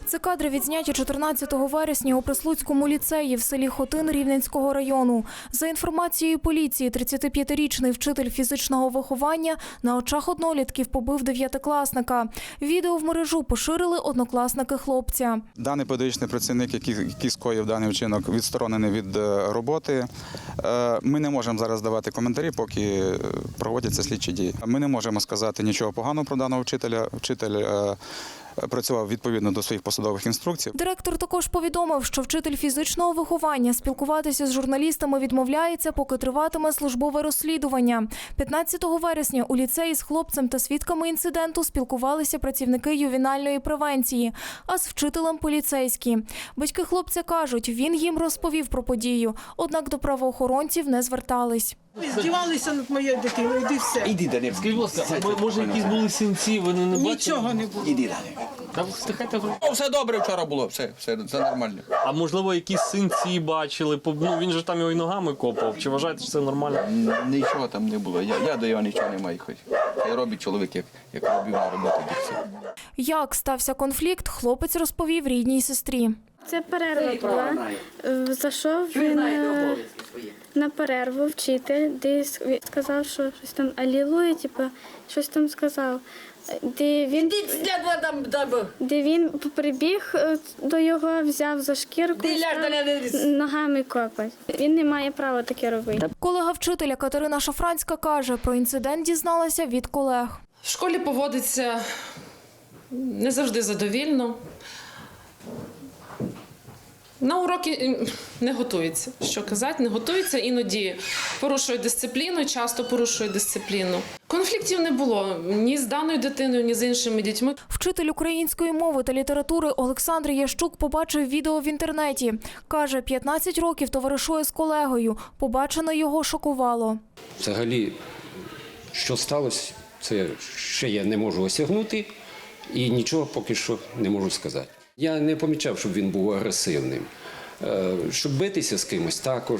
Це кадри відзняті 14 вересня у Прислуцькому ліцеї в селі Хотин Рівненського району. За інформацією поліції, 35-річний вчитель фізичного виховання на очах однолітків побив дев'ятикласника. Відео в мережу поширили однокласники хлопця. Даний педагогічний працівник, який скоїв даний вчинок, відсторонений від роботи. Ми не можемо зараз давати коментарі, поки проводяться слідчі дії. Ми не можемо сказати нічого поганого про даного вчителя. Вчитель працював відповідно до своїх посадових інструкцій. Директор також повідомив, що вчитель фізичного виховання спілкуватися з журналістами відмовляється, поки триватиме службове розслідування. 15 вересня у ліцеї з хлопцем та свідками інциденту спілкувалися працівники ювенальної превенції, а з вчителем поліцейські. Батьки хлопця кажуть, він їм розповів про подію, однак до правоохоронців не звертались. Здівалися над моєю дитиною, іди все. Іди, Данило. Скажіть, будь ласка, може якісь були синці, ви не бачили? Нічого не було. Іди, Данило. Та встихайте. Все добре вчора було, все нормально. А можливо, якісь синці бачили? Ну, він же там його і ногами копав. Чи вважаєте, що це нормально? Нічого там не було. Я до його нічого не маю. Хай робить чоловік, як робив на роботу. Як стався конфлікт, хлопець розповів рідній сестрі. Це перерва була. Зайшов він на перерву, вчитель, десь сказав, що щось там алілуя, щось там сказав. Де він прибіг до його, взяв за шкірку, ногами копать. Він не має права таке робити. Колега вчителя Катерина Шафранська каже, про інцидент дізналася від колег. В школі поводиться не завжди задовільно. На уроки не готується, що казати, не готується, іноді порушує дисципліну, часто порушує дисципліну. Конфліктів не було ні з даною дитиною, ні з іншими дітьми. Вчитель української мови та літератури Олександр Ящук побачив відео в інтернеті. Каже, 15 років товаришує з колегою. Побачене його шокувало. Взагалі, що сталося, це ще я не можу осягнути і нічого поки що не можу сказати. Я не помічав, щоб він був агресивним. Щоб битися з кимось також,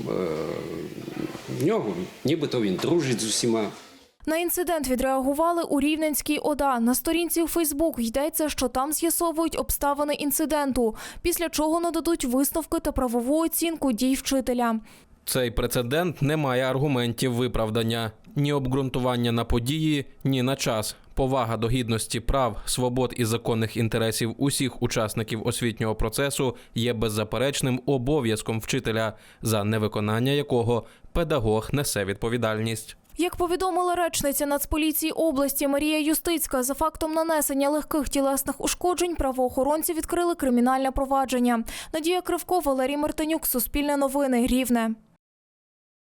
в нього нібито він дружить з усіма. На інцидент відреагували у Рівненській ОДА. На сторінці у Фейсбук йдеться, що там з'ясовують обставини інциденту, після чого нададуть висновки та правову оцінку дій вчителя. Цей прецедент не має аргументів виправдання. Ні обґрунтування на події, ні на час. Повага до гідності прав, свобод і законних інтересів усіх учасників освітнього процесу є беззаперечним обов'язком вчителя, за невиконання якого педагог несе відповідальність. Як повідомила речниця Нацполіції області Марія Юстицька, за фактом нанесення легких тілесних ушкоджень правоохоронці відкрили кримінальне провадження. Надія Кривко, Валерій Мартинюк, Суспільне новини, Рівне.